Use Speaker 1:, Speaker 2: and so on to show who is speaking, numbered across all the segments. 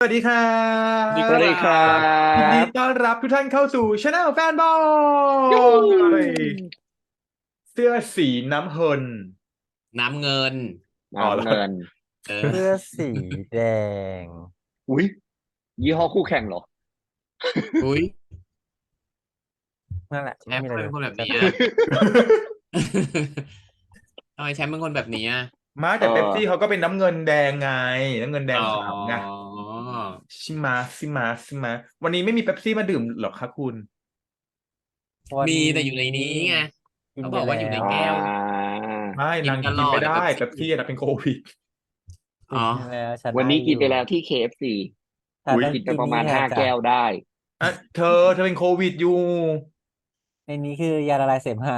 Speaker 1: สวัสดีครั
Speaker 2: สวัสดี
Speaker 1: บ
Speaker 2: ค
Speaker 3: สวัสดีครั
Speaker 1: ยินดี
Speaker 3: บ
Speaker 1: ต้อนรับทุกท่านเข้าสู่ช anel แฟนบอ
Speaker 3: ยู
Speaker 1: ยเสื้อสีน้ำเงิน
Speaker 2: น้ำเงิน
Speaker 1: อ๋อแล้ว
Speaker 3: น้ำเงิน
Speaker 2: เออ
Speaker 4: เสื้อสีแดง
Speaker 3: อุ้ยยี่ห้อคู่แข่งเหรอ
Speaker 2: อุ้ย
Speaker 4: นั่นแหละ
Speaker 2: แชมป์เป็น
Speaker 4: ไม่มีอะไรเลย
Speaker 2: คนแบบนี้อะ ทำไมแชมป์เป็นคนแบบนี้อะ
Speaker 1: มาแต่เป๊ปซี่เขาก็เป็นน้ำเงินแดงไงน้ำเงินแดง
Speaker 2: อ๋อ
Speaker 1: ขาวไงชิมาวันนี้ไม่มีเป๊ปซี่มาดื่มหรอคะคุณ
Speaker 4: วัน
Speaker 2: มีแต่
Speaker 4: นี้
Speaker 2: อยู่ในนี้ไง
Speaker 4: กิน
Speaker 2: เขา
Speaker 4: ไป
Speaker 2: บอกว่าอยู่ใน
Speaker 4: แล้ว
Speaker 2: แก้ว
Speaker 1: ไม่
Speaker 2: กิน
Speaker 1: นาง
Speaker 2: ต
Speaker 1: กิ
Speaker 2: ล
Speaker 1: น
Speaker 2: อด
Speaker 1: ไม่ได้
Speaker 2: อะ
Speaker 1: เป๊ปซี่นะเป็นโควิด
Speaker 2: อ๋อ
Speaker 4: กินแล้วฉัน
Speaker 3: วันนี้
Speaker 4: ได้
Speaker 3: กินไป
Speaker 4: อยู่
Speaker 3: แล้วที่ KFC
Speaker 4: แต่
Speaker 1: อุ๊ย
Speaker 4: ต้อง
Speaker 3: กินไป
Speaker 4: กิน
Speaker 3: ประมาณ
Speaker 4: นี่แทน
Speaker 3: 5
Speaker 4: จ้ะ
Speaker 3: แก้วได้
Speaker 1: อ่ะเธอเป็นโควิดอยู่
Speaker 4: ในนี้คือยาละลายเสมหะ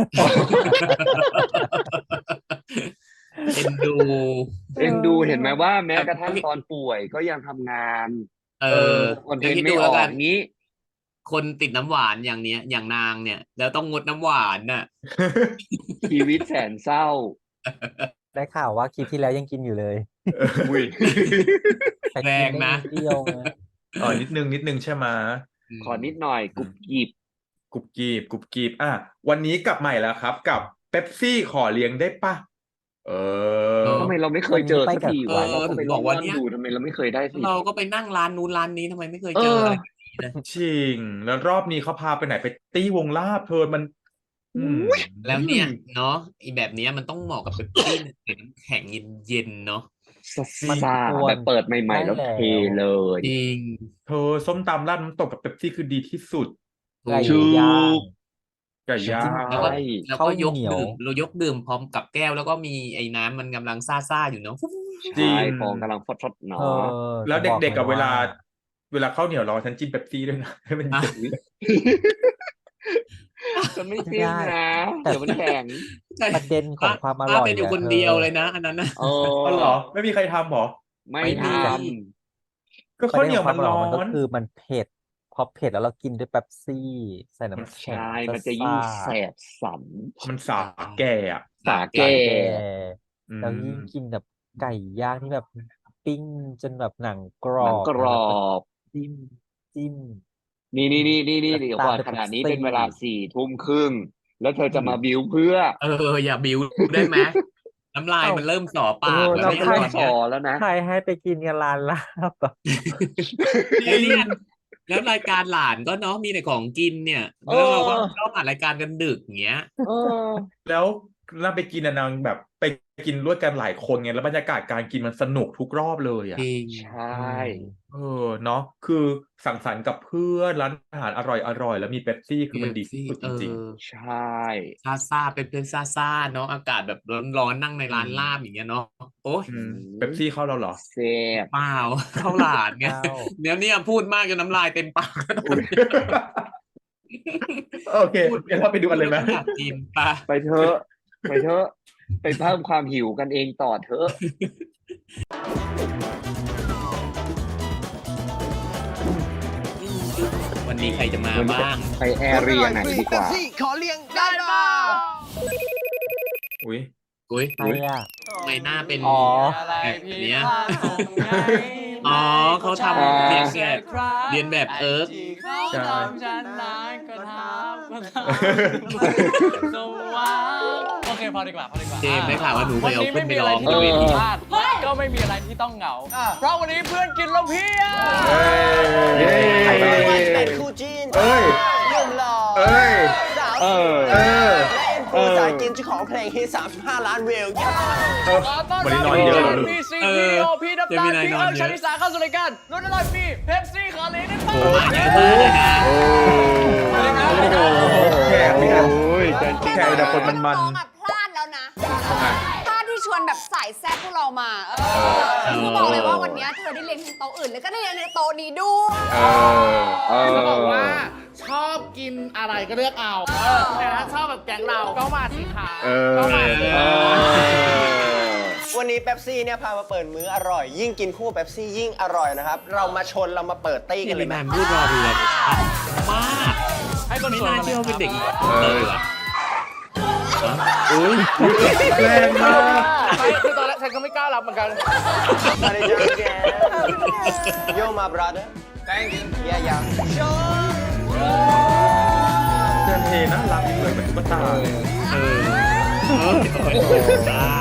Speaker 2: เอ็นดู
Speaker 3: เอ็นดูเห็นไหมว่าแม้
Speaker 2: แต่
Speaker 3: กระทั่งตอนป่วยก็ยังทำงาน
Speaker 2: เออ
Speaker 3: คอนเท
Speaker 2: แล้ว
Speaker 3: น
Speaker 2: คิด
Speaker 3: ต์ไม่
Speaker 2: ดู
Speaker 3: อ
Speaker 2: แล้ว
Speaker 3: อ
Speaker 2: กั
Speaker 3: ก
Speaker 2: น
Speaker 3: งี้
Speaker 2: คนติดน้ำหวานอย่างเนี้ย อย่างนางเนี่ย แล้วต้องงดน้ำหวานน่ะ
Speaker 3: ชีวิตแสนเศร้า
Speaker 4: ได้ข่าวว่าคลิปที่แล้วยังกินอยู่เลย
Speaker 3: อุ้ย
Speaker 4: แต่
Speaker 2: แร
Speaker 4: กิน
Speaker 2: ง
Speaker 4: ได้
Speaker 2: นะ
Speaker 4: นิดเดียวนะ
Speaker 1: อ๋อนิดนึงใช่ไหม
Speaker 3: ขอนิดหน่อยกรุบกริบ
Speaker 1: กรุบกรีบอ่ะวันนี้กลับใหม่แล้วครับ กับเป๊ปซี่ขอเลี้ยงได้ปะเออ
Speaker 3: ทำไมเราไม่เคยเจอสักทีวะ
Speaker 2: เออ
Speaker 3: เราก็ไป
Speaker 2: ถึง
Speaker 3: ล
Speaker 2: บ
Speaker 3: อ
Speaker 2: อง กว่า
Speaker 3: ล่อน
Speaker 2: เนี่ย
Speaker 3: ดูทำไมเราไม่เคยได้สิ
Speaker 2: เราก็ไปนั่งร้านนู้นร้านนี้ทำไมไม่เคยเจออะไรแบบนี้เลย
Speaker 1: จริง แล้วรอบนี้เขาพาไปไหนไปตี้วงลาบเธอมันอืม
Speaker 2: แล้วเนี่ยเนาะอีแบบเนี้ยมันต้องเหมาะกับเป๊ปซี่ใส่น้ำแข็งเย็นๆเนาะ
Speaker 3: ซ่าแบบเปิดใหม่ๆแล้วเทเลย
Speaker 2: จริง
Speaker 1: เธอส้มตำราดน้ำตกกับเป๊ปซี่คือดีที่สุด
Speaker 2: ถู
Speaker 4: ไก่
Speaker 2: ก
Speaker 4: ย่าง
Speaker 1: ไก่ย่า
Speaker 2: แล้ว
Speaker 1: ง
Speaker 2: ก็
Speaker 3: ใช่
Speaker 2: แล้ว
Speaker 4: ข้า
Speaker 2: ก็
Speaker 4: วย
Speaker 2: ก
Speaker 4: เหนียว
Speaker 2: ดื่มเรายกดื่มพร้อมกับแก้วแล้วก็มีไอ้น้ำมันกำลังซ่าๆอยู่เนาะ
Speaker 1: จริ
Speaker 3: ใช่
Speaker 1: ง
Speaker 3: ฟองกำลังฟดๆหนอ
Speaker 4: เออ
Speaker 1: แล้ว
Speaker 4: จะบอก
Speaker 1: เด็กๆกับ
Speaker 4: ลย
Speaker 1: เวลาข้าวเหนียวรอฉันจิ้มเป๊ปซี่ด้วยนะ ให้มัน
Speaker 2: อ่ะ
Speaker 1: เย็น
Speaker 3: จะไม่จริงนะเดี๋ยวมันแข็ง
Speaker 2: ใช่
Speaker 4: ประเด็นของความอ
Speaker 2: ป้า
Speaker 4: ร่อย
Speaker 2: เป็นอยู่
Speaker 4: อะ
Speaker 2: คน
Speaker 4: เธอ
Speaker 2: เดียวเลยนะอันนั้นนะ
Speaker 3: เอ
Speaker 1: อ๋อเหรอ ไม่มีใครทำเหรอ
Speaker 3: ไม่
Speaker 2: ไม่
Speaker 3: ท
Speaker 2: มี
Speaker 1: ก็
Speaker 4: ประ
Speaker 1: ข้าว
Speaker 4: เด็น
Speaker 1: เหนี
Speaker 4: ข
Speaker 1: ย
Speaker 4: อ
Speaker 1: ว
Speaker 4: งค
Speaker 1: มั
Speaker 4: วาน มอร่อย
Speaker 1: ร้อ
Speaker 4: มันก็
Speaker 1: น
Speaker 4: คือมันเผ็ดพอเผ็ดแล้วเรากินด้วยเป๊ปซี่ใส่น้ำ
Speaker 3: ำ
Speaker 4: แข็ง
Speaker 3: ใช่มันจะยิ่งแสบสัน
Speaker 1: มันสาแก่อ่ะ
Speaker 3: สาแก่
Speaker 1: อื
Speaker 4: แล้วยิ่งกินแบบไก่ย่างที่แบบปิ้งจนแบบหนังกร
Speaker 3: หนั
Speaker 4: อง บ
Speaker 3: กรอบ
Speaker 4: จิ้มจิ้ม
Speaker 3: นี่เดี๋ยวก่อน
Speaker 4: ตามด้วย
Speaker 3: ขนาดนี้
Speaker 4: เป๊ปซี่
Speaker 3: เป็นเวลา4 ทุ่มครึ่งแล้วเธอจะมาบิ้วเพื่อ
Speaker 2: อย่าบิวได้ไหมน้ำลายมันเริ่มส่อปากแล้ว
Speaker 3: เรา
Speaker 2: เนี่ย
Speaker 3: ก็
Speaker 2: ต
Speaker 3: เริ่
Speaker 2: อ
Speaker 3: ม
Speaker 2: น
Speaker 3: ส
Speaker 2: เนี้
Speaker 3: อย แล้วนะ
Speaker 4: ใครให้ไปกินกันร้านลาบอะ
Speaker 2: แล้วเนี่ยแล้วรายการหลานก็เนาะมีแต่ของกินเนี่ยแล้วเราก็ชอบอ่านรายการกันดึกอย่างเงี้ย
Speaker 3: เออ
Speaker 1: แล้วเราไปกินอะนางแบบไปกินร่วมกันหลายคนไงแล้วบรรยากาศการกินมันสนุกทุกรอบเลยอ่ะ
Speaker 2: จริง
Speaker 3: ใช่
Speaker 1: เนาะคือสังสรรค์กับเพื่อนร้านอาหารอร่อยแล้วมีเป๊ปซี่คือมันดีที่สุดจริง
Speaker 3: ใช่
Speaker 2: ซาเป็นซาเนาะอากาศแบบร้อนๆนั่งในร้านลาบอย่างเงี้ยเนาะโอ้ย
Speaker 1: เป๊ปซี่เข้าเราเหรอ
Speaker 3: แซ่บ
Speaker 2: เปล่าเข้าหลานไง
Speaker 4: เข้า
Speaker 2: เนี่ยพูดมากจนน้ำลายเต็มปากแล้วตอนนี้
Speaker 1: โอเคเดี๋ยวเราไปดูกันเลยไหม
Speaker 2: อยากกินปะ
Speaker 3: ไปเถอะไปเถอะไปเพิ่มความหิวกันเองต่อเถอะ
Speaker 2: วันนี้ใครจะมาบ้าง
Speaker 3: ไปแอร์เรียไหนดีกว่า
Speaker 5: ขอเลี้ยงได้ป่ะ
Speaker 1: อุ้ย
Speaker 2: อุ้ย
Speaker 4: ใครอ่ะ
Speaker 2: ทำไมหน้าเป็น
Speaker 4: อ๋อ
Speaker 2: แบบเนี้ย อ๋อเขาทำเรียนแบบเอิร์ก
Speaker 1: ใช่
Speaker 5: ฉันร้ายก็ทำสว่างโอเคพอดีกว่า
Speaker 2: เจมส์ได้ข่าวว่าหนูเคยเอาขึ้นไปร้อง
Speaker 5: วันนี้ไม่มีอะไรที่
Speaker 2: ที่
Speaker 5: ต้อง
Speaker 2: เว
Speaker 5: ผิด
Speaker 2: ที
Speaker 5: พลาดก็ไม่มีอะไรที่ต้องเหงา เพราะวันนี้เพื่อนกินแล้วเพียบ
Speaker 1: เย้
Speaker 6: เป็นคู่จิ้น
Speaker 1: เอ้ย
Speaker 6: หนุ่มหล่อ
Speaker 1: เอ้ย
Speaker 6: สาว
Speaker 3: เอ
Speaker 6: สวย
Speaker 3: อ
Speaker 1: เออ
Speaker 6: และเอ็นฟูสายกินเจ้าของเพลงฮิต35 ล้านวิว
Speaker 1: วันนี้นอนเยอะเหรอลูก
Speaker 5: พี่ซีพีโอพี่น้ำตาลพี่เอิร์กชาลิสาเข้าสู่รายการรุ่นอร่อยพี่เพปซี่ขอเลี้ยงได้ป่ะ
Speaker 2: มาเยอะมากเลยนะ
Speaker 1: แขกเนี่ย
Speaker 3: โอ้ยแต่
Speaker 1: แขกแต่คนมัน
Speaker 7: น้องอะพลาดแล้วนะพลาดที่ชวนแบบสายแซ่บพวกเรามาคือบอกเลยว่าวันนี้เธอได้เรียนทั้งโต๊ะอื่นแล้วก็ได้เรียนในโต๊ะนี้ด้วย
Speaker 5: จะบอกว่าชอบกินอะไรก็เลือกเอาแต่ถ้าชอบแบบแกงเราก็มาสิคะก็มาสิ
Speaker 6: วันนี้เป๊ปซี่เนี่ยพามาเปิดมื้ออร่อย ยิ่งกินคู่เป๊ปซี่ยิ่งอร่อยนะครับ เรามาชนเรามาเปิดตี้กันเลยไหม
Speaker 2: แมนพูดรอดูเลยมาก
Speaker 5: ให้คน
Speaker 2: ไม่
Speaker 5: สวย
Speaker 2: น่า
Speaker 5: มา
Speaker 2: เชื่อว่าเป็นเด็ก
Speaker 5: ลย
Speaker 2: เลยว่ะอุ้ย
Speaker 1: แรงมาก
Speaker 5: ไม่คือตอนแรกฉันก็ไม่กล้ารับเหมือนกัน
Speaker 6: มาเลยจ้าแกโยมา brother thank you yeah
Speaker 1: เจนเทน่ารักเลยเหมือนตุ๊กตาเลย
Speaker 2: เออตา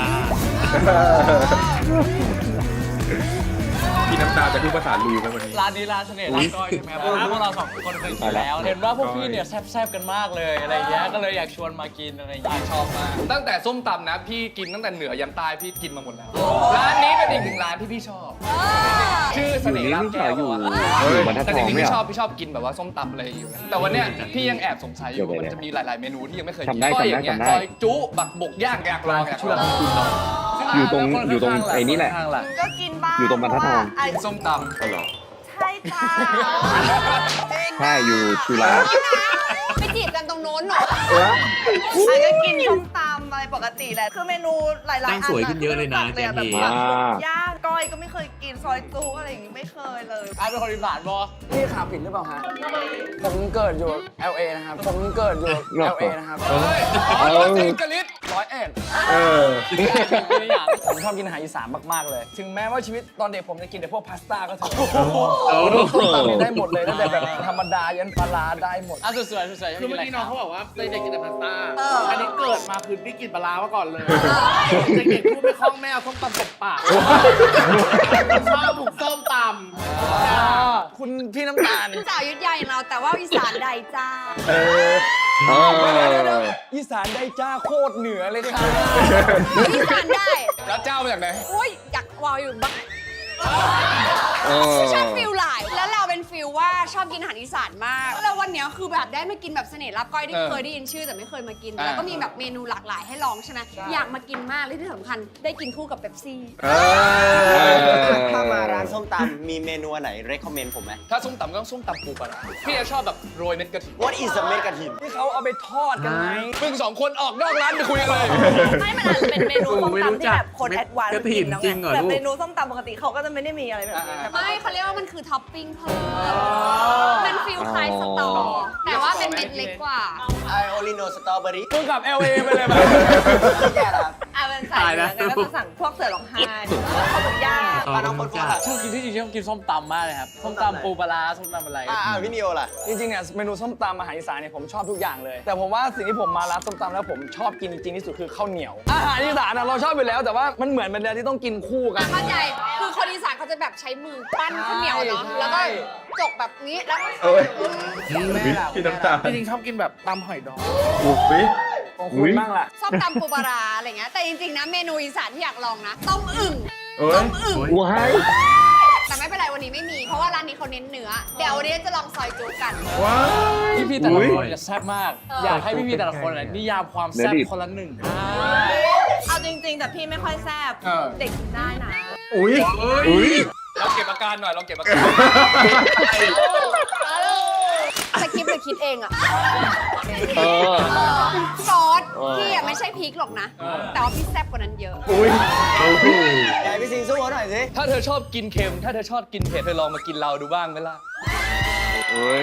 Speaker 1: พี่น้ำตาจะพูดภาษาลูกันวันนี้
Speaker 8: ร้านนี้ร้านเสน่ห์ร้านก้อยใช่ไหมครับพวกเราสองคนเคยกินแล้ว เห็นว่าพวกพี่เนี่ยแซ่บๆกันมากเลยอะไรเงี้ยก็เลยอยากชวนมากินอะไรอย่างเงี้ยชอบมากตั้งแต่ส้มตำนะพี่กินตั้งแต่เหนือยันใต้พี่กินมาหมดแล้วร้านนี้เป็นอีกหนึ่งร้านที่พี่ชอบ ชื่อเสน่ห์ร้านแก้ว
Speaker 3: อยู่
Speaker 8: อะ
Speaker 3: อยู่บรรทัด
Speaker 8: แต่
Speaker 3: ท
Speaker 8: จ
Speaker 3: อง
Speaker 8: ริงๆ
Speaker 3: ไม่
Speaker 8: พี่
Speaker 3: เหร
Speaker 8: ช
Speaker 3: อ
Speaker 8: อบพี่ชอบกินแบบว่าส้มตำอะไรอยู่นะแต่วันเนี้ยพี่ยังแอบสงสัยอยู่ว่ามันจะมีหลายๆเมนูที่ยังไม่เคยกิน
Speaker 3: จำได้
Speaker 8: ก้อยอย่างเงี้ย
Speaker 3: จำได้
Speaker 8: ก้อยจุบักบกย่างอยากลองอยากลอง
Speaker 3: อยู่ตรงไอ้นี่แหละ
Speaker 8: ข้างๆล่ะ
Speaker 7: ก็กินบ้าง
Speaker 3: อยู่ตรงบรรทัดทอง
Speaker 7: เพาะว่า
Speaker 8: กินส้มตำ
Speaker 1: เอาเหรอ
Speaker 7: ใช่จ้า
Speaker 3: ใช่อยู่จุฬา
Speaker 7: ไปจีบกันตรงโน้นเหรอ
Speaker 9: อันก็กินส้มตำอะไรปกติแหละ คือเมนูหลายๆอั
Speaker 2: ตั้งสวยขึ้นเยอะเลยนะ
Speaker 9: แบบ
Speaker 2: เจนนี่
Speaker 9: แบบหมูย่างก้อยก็ไม่เคยกินซอยจูอะไรอย่างงี้ไม่เคยเลย
Speaker 8: อาเป็นคนอีสานบอ
Speaker 10: พี่ข่าวผิดหรือเปล่าฮะ ผมเกิดอยู่ LA นะครับ ผมเกิดอยู่ LA นะครับ
Speaker 8: เฮ้ยอ๋อเจนกะลิด
Speaker 3: เออ
Speaker 10: ผมชอบกินอาหารอีสานมาก ๆ เลย ถึงแม้ว่าชีวิตตอนเด็กผมจะกินแต่พวกพาสต้าก็เถอะส้มตำนี่ได้หมดเลยตั้งแต่แบบธรรมดายันปลาร้าได้หมด
Speaker 8: อ่ะสวยๆสวยๆ
Speaker 5: คือเมื่อกี้น้องเขาบอกว่าเด็กๆกินแต่พาสต้า อันนี้เกิดมาคือพี่กินปลาร้ามาก่อนเลย เด็กๆพูดไม่คล่องแม่เอาส้มตำตบปากชอบถูกส้มตำ
Speaker 10: คุณพี่น้ำตาล
Speaker 7: สาวยุทธยาอย่างเราแต่ว่าอีสานใดจ้า
Speaker 3: เออ
Speaker 10: อีสานได้จ้าโคตรเหนือเลยค่ะ
Speaker 7: อีสานได้
Speaker 8: แล้วเจ้ามาจากไหน
Speaker 7: อุ้ยอยากวาวอยู่บ้าง
Speaker 3: เออ
Speaker 7: ชอบฟิลหลาย แล้วเราเป็นฟิลว่าชอบกินอาหารอีสานมาก แล้ววันเนี้ยคือแบบได้มากินแบบเสน่ห์ลาบก้อยที่เคยได้ยินชื่อแต่ไม่เคยมากิน แล้วก็มีแบบเมนูหลากหลายให้ลองใช่ไหมอยากมากินมากเลยที่สำคัญได้กินคู่กับเป๊ปซี่
Speaker 6: ถ้ามาร้านส้มตำมีเมนูอันไหน recommend ผมไหม
Speaker 8: ถ้าส้มตำก็ต้องส้มตำปูปลาร้าพี่จะชอบแบบโรยเม็ดกระถิ่น
Speaker 6: What is a เม็ดกระถิน
Speaker 10: ที่เขาเอาไปทอดกันไหม
Speaker 8: มึงสองคนออกนอกร้านไปคุยกันเลย
Speaker 9: ไม่มันอาจจะเป็นเมนูส้มตำที่แบบคนแอดวานซ์
Speaker 2: กระถิ่นจริงเหรอ
Speaker 9: แบบ
Speaker 2: ลูก
Speaker 9: เมนูส้มตำปกติเขาก็จะไม่ได้มีอะไรแบบนี้ใช่ปะ
Speaker 7: ไม่เขาเรียกว่ามันคือท็อปปิ้งเพิ่มเป็นฟิลคล้ายสตอ แต่ว่าเป็นเม็ดเล็กกว่า
Speaker 6: I only know strawberry
Speaker 10: มึงกลับ LA ไปเลยแบบ
Speaker 6: แก่ละ
Speaker 9: อ่ะเป็นสายเนื้อกันก็จะสั่งพวกเสือร้องไห้หรือว่าข้าวหมูย่าง
Speaker 6: ปลาน้องคนฟ้า
Speaker 8: ชอบกินที่จริงชอบกินส้มตำมากเลยครับ ส้มตำปูปลาร้าส้มตำอะไร
Speaker 6: พี่นิโอล่ะ
Speaker 10: จริงๆเนี่ยเมนูส้มตำอาหารอีสานเนี่ยผมชอบทุกอย่างเลย แต่ผมว่าสิ่งที่ผมมาร้านส้มตำแล้วผมชอบกินจริงๆที่สุดคือข้าวเหนียว อาหารอีสานอะเราชอบอยู่แล้วแต่ว่ามันเหมือนเป็นอะไรที่ต้องกินคู่กัน
Speaker 7: เข้าใจ คือคนอีสานเขาจะแบบใช้มือปั้นข้าวเหนียวเนาะ แล้วก็จกแบบนี้ แล้ว
Speaker 1: เอ้ย
Speaker 5: แม่ล่ะ
Speaker 1: พี่น้ำตาล
Speaker 5: จริงๆชอบกินแบบตำหอยดอง
Speaker 1: อุ๊ย
Speaker 10: ของคุณบ้างล่ะ
Speaker 7: ชอบตำปูปลาร้าอะไรเงี้ย แต่จริงๆนะเมนูอีสานที่อยากลองนะ ต้มอึ่ง
Speaker 1: เอ้ย
Speaker 7: ต้มอึ่ง
Speaker 3: ว้าย
Speaker 7: แต่ไม่เป็นไรวันนี้ไม่มี เพราะว่าร้านนี้เขาเน้นเนื้อ เดี๋ยววันนี้จะลองซอยจูกัน
Speaker 1: ว้าย
Speaker 8: พี่ๆแต่ละ
Speaker 1: อุ๊ย
Speaker 8: คนจะแซ่บมาก อยากให้พี่ๆแต่ละคนนิยามความแซ่บคนละหนึ่ง
Speaker 9: เอาจริงๆ แต่พี่ไม่ค่อยแซ่บ
Speaker 8: เออ
Speaker 9: เด็กกินได้นะ
Speaker 1: อุ๊ยอุ๊ย
Speaker 8: เราเก็บอาการหน่อยเราเก็บอาการ
Speaker 7: สคริปต์หรือคิดเองอะ
Speaker 3: เออ
Speaker 7: ซอสพี่อะไม่ใช่พริกหรอกนะ แต่ว่าพี่แซ่บกว่านั้นเยอะ
Speaker 1: อุ๊ยโอ้โห
Speaker 6: ไหนพี่สิงสู้เขาหน่อยสิ
Speaker 8: ถ้าเธอชอบกินเค็ม ถ้าเธอชอบกินเผ็ดเธอลองมากินเราดูบ้างไหมล่ะ
Speaker 3: เอ้ย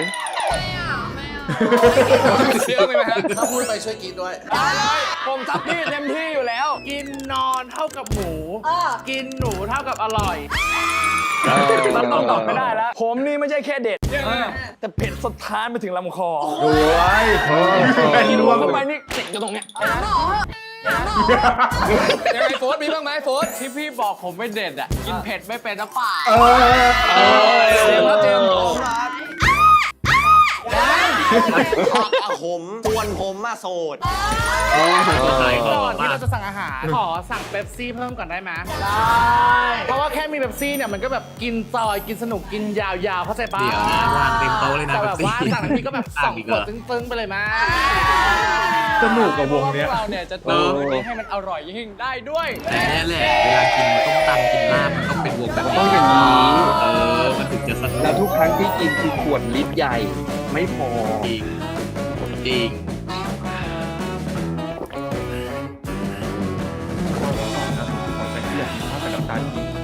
Speaker 8: เชื่อไหมฮะ
Speaker 5: ถ้าพูดไปช่วยกินด้วย
Speaker 10: ผมจับพี่เต็มที่อยู่แล้ว
Speaker 5: กินนอนเท่ากับหมู
Speaker 7: เออ
Speaker 5: กินหนูเท่ากับอร่อย
Speaker 10: มันต้องตอบไม่ได้แล้ว ผมนี่ไม่ใช่แค่เด็ด แต่เผ็ดสถานไปถึงลำคอ
Speaker 1: โอ้ยเป็น
Speaker 10: กิน
Speaker 1: ร
Speaker 10: ร
Speaker 1: ว
Speaker 10: ว
Speaker 1: ม
Speaker 10: มเข้าไปนี่ติดอยู่ตรงเนี้ย
Speaker 7: หาหมอเหอะหาหมอ
Speaker 8: ยังไงโฟสมีบ้างไหมโฟส
Speaker 2: ที่พี่บอกผมไม่เด็ดอ่ะ กินเผ็ดไม่เป็นนะป่า
Speaker 1: เออ
Speaker 10: เจมส์ครับเจมส์
Speaker 6: ผมส่วนผมมาโสด
Speaker 5: ก่อนที่เราจะสั่งอาหาร ขอสั่งเป๊ปซี่เพิ่มก่อนได้ไหมได้ เพราะว่าแค่มีเป๊ปซี่เนี่ยมันก็แบบกินจอยกินสนุกกินยาวๆเข้าใจปะ
Speaker 2: เดี๋ยวนะวางเต็มโต๊ะเลยนะ
Speaker 5: แต่แบบว่า
Speaker 2: เป๊ปซี่
Speaker 5: สั่งน้ำพริกก็แบบสองขวดตึ้งๆไปเลยมา
Speaker 1: สนุกกับวงเนี้ย
Speaker 8: พวกเราเนี่ยจะเติมนี้ให้มันอร่อยยิ่งได้ด้วย
Speaker 2: แต่แน่แหละเวลากินต้มตำกินลาบมันต้องเป็นวงแบบ
Speaker 3: ต้องอย่างนี้
Speaker 2: เออ มันถึงจะสนุก
Speaker 3: แล้วทุกครั้งที่กินคือขวดลิตรใหญ่ ไม่พอ
Speaker 2: จริงจริง
Speaker 1: ขอใช้เกียรติภาพกับน้ำตาลจริง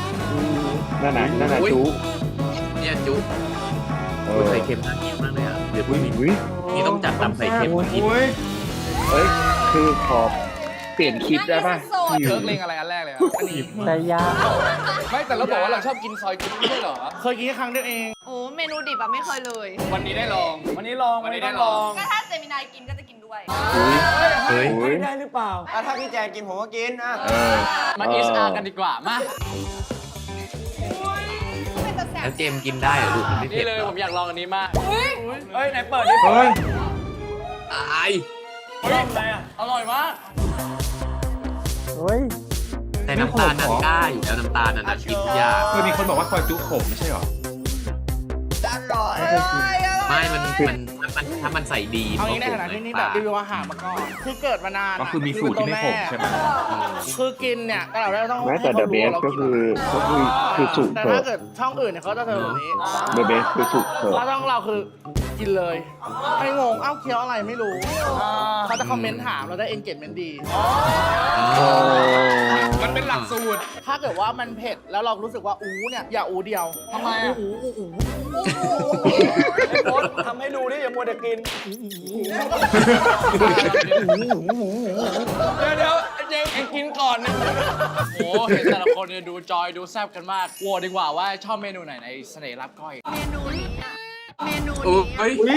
Speaker 3: นั่นน่ะจุ
Speaker 2: เนี่ยจุ
Speaker 3: เออ
Speaker 2: ไข่เค็มน่ากินมากเลยอ่ะเดี๋ยวนี่ต้องจัดตำใส่เค็มมากิน
Speaker 1: โอ้ย
Speaker 3: เฮ้ย คือขอเปลี่ยนคลิปได้ป่ะ
Speaker 8: เคิร์กเลงอะไรอันแรกเลยครับอันนี้
Speaker 4: แต่ยาก
Speaker 8: ไม่แต่เราบอกว่าเราชอบกินซอยจุ๊บไม่ใช่เหรอ
Speaker 5: เคยกินแค่ครั้งเดียวเอง
Speaker 9: โอ้เมนูดิบอะไม่เคยเลย
Speaker 8: วันนี้ได้ลอง
Speaker 10: วันนี้ลอง
Speaker 8: วันนี้ได้
Speaker 10: ต้อง
Speaker 8: ลอง
Speaker 9: ก็ถ้าเจมินายกินก็จะกินด้วย
Speaker 2: เฮ้ย
Speaker 10: ไม่ได้หรือเปล่า
Speaker 6: อ่ะถ้าพี่แจนกินผมก็กินอ่ะ
Speaker 8: มาเอสอาร์กันดีกว่ามา
Speaker 7: เป็นตะแสบ
Speaker 2: แล้วเจมส์กินได้เหรอลูกมันไม่
Speaker 8: นี่
Speaker 2: เผ็ด
Speaker 8: เลย
Speaker 2: หร
Speaker 8: ผ
Speaker 2: อ
Speaker 8: มอยากลองอันนี้มาก
Speaker 10: เฮ้ย ไหนเปิดดิ
Speaker 1: เฮ้ย
Speaker 2: ตาย
Speaker 10: เฮ้ยอะไรอ่ะ
Speaker 8: อร่อยมาก
Speaker 4: เฮ้ย
Speaker 2: แต่น้ำตาลนั้นกล้าอยู่แล้วน้ำตาลนั้นกินยาก
Speaker 1: เคยมีคนบอกว่าซอยจุขมไม่ใช่หรอ
Speaker 2: ไม่มันถ้ามันใส่ดี
Speaker 5: เอางี้ในฐานะที่นี่แบบรีวิวอาหารมาก่อน คือเกิดมานาน
Speaker 1: ก็คือมีสูตรที่ไม่ขมใช่ไหม
Speaker 5: คือกินเนี่ยก็เราได้ต้อง
Speaker 3: แม้แต่
Speaker 5: ให้
Speaker 3: The
Speaker 5: ขารู้
Speaker 3: Best
Speaker 5: ว่ารา
Speaker 3: ก็
Speaker 5: น
Speaker 3: คือสุก
Speaker 5: แต่
Speaker 3: เถ
Speaker 5: ถ้า
Speaker 3: อะ
Speaker 5: เกิดช่องอื่นเนี่ยเขาจะเทแบบนี้
Speaker 3: The Best คือสุกเถอะ
Speaker 5: ถ้าช่องเราคือกินเลยให้งงเอ้าเคี้ยวอะไรไม่รู้เขาจะคอมเมนต์ถามเราได้ engagement ดี
Speaker 8: มันเป็นหลักสูตร
Speaker 5: ถ้าเกิดว่ามันเผ็ดแล้วเรารู้สึกว่าอู้เนี่ยอย่าอู้เดียว
Speaker 8: ทำไมอ่ะ
Speaker 5: อู้
Speaker 10: ไอ้โพสทำให้ดูดิอย่ามัวแต่กิน
Speaker 8: เดี๋ยวเจมส์เองกินก่อนนะโอ้เห็นแต่ละคนเนี่ยดูจอยดูแซ่บกันมากโหวตดีกว่าว่าชอบเมนูไหนในเสน่ห์รับก้อย
Speaker 9: เมนูนี้อะเมนู
Speaker 2: โอ้
Speaker 9: นี้
Speaker 2: ย